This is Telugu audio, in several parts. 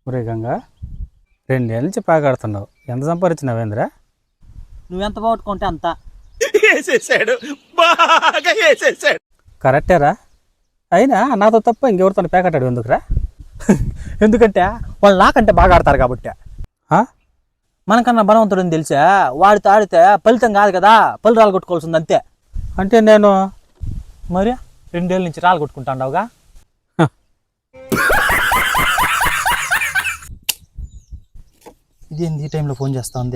ఒరే గంగా 2 ఏళ్ళ నుంచి పాగాడుతున్నావు. ఎంత సంపాదించినావేంద్రా? నువ్వెంత పోగొట్టుకుంటే అంత. వేసేసాడు, బాగా వేసేసాడు. కరెక్టేరా. అయినా నాతో తప్ప ఇంకెవరితో పేకాటాడు ఎందుకురా? ఎందుకంటే వాళ్ళు నాకంటే బాగా ఆడతారు కాబట్టి. ఆ? మనకన్నా బలవంతుడని తెలిసా వాడితో ఆడితే ఫలితం కాదు కదా, పళ్ళు రాళ్ళు కొట్టుకోవాల్సింది అంతే. అంటే నేను మరి 2 ఏళ్ళ నుంచి రాళ్ళు కొట్టుకుంటాండావుగా. ఇదేంది ఈ టైంలో ఫోన్ చేస్తా ఉంది?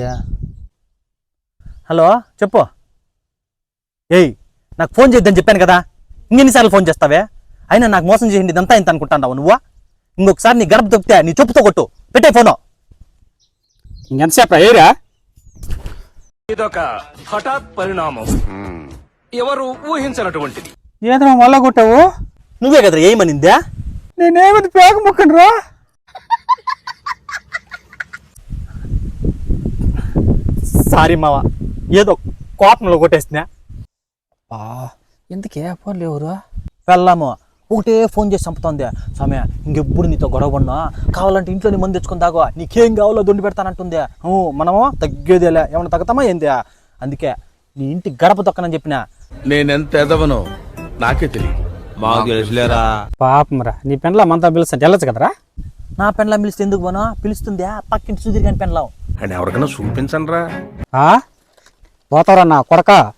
హలో చెప్పు. ఏయ్, నాకు ఫోన్ చేయొద్దని చెప్పాను కదా, ఇంకెన్నిసార్లు ఫోన్ చేస్తావే? అయినా నాకు మోసం చేయండి ఇదంతా ఇంత అనుకుంటాండావు నువ్వు? ఇంకొకసారి నీ గడప దొక్కితే నీ చెప్పుతో కొట్టు. పెట్టే ఫోను. ఇంకెంతసేపు ఏరా? ఇదొక హఠాత్ పరిణామం, ఎవరు ఊహించినటువంటిది. ఏదో మళ్ళా కొట్టావు? నువ్వే కదరా ఏమనిందా? నేనేమిది పేక ముక్కను రా. సారీ మావా, ఏదో కోపంలో కొట్టేస్తున్నా. ఎందుకే ఫోన్లు ఎవరు? వెళ్ళాము ఒకటే ఫోన్ చేసి చంపుతోంది. సమయ ఇంకెప్పుడు నీతో గొడవ పడినా కావాలంటే ఇంట్లోని మంది తెచ్చుకుని తాగో, నీకేం కావాలో దొండి పెడతానంటుంది. మనము తగ్గేదేలే, ఏమన్నా తగ్గుతామా ఏంది? అందుకే నీ ఇంటి గడప తొక్కనని చెప్పిన. నేనెంత ఎదవనో నాకే తెలియదు. మాకు తెలుసులేరా. పాపం రా, నీ పెన్లా మనతో పిలుస్తుంటే వెళ్ళచ్చు కదరా? నా పెన్లా పిలిస్తే ఎందుకు పోను? పిలుస్తుందా పక్కింటి సుధీర్ గాని పెన్లాం. అని ఎవరికైనా చూపించండి రా. పోతారా నా కొడక?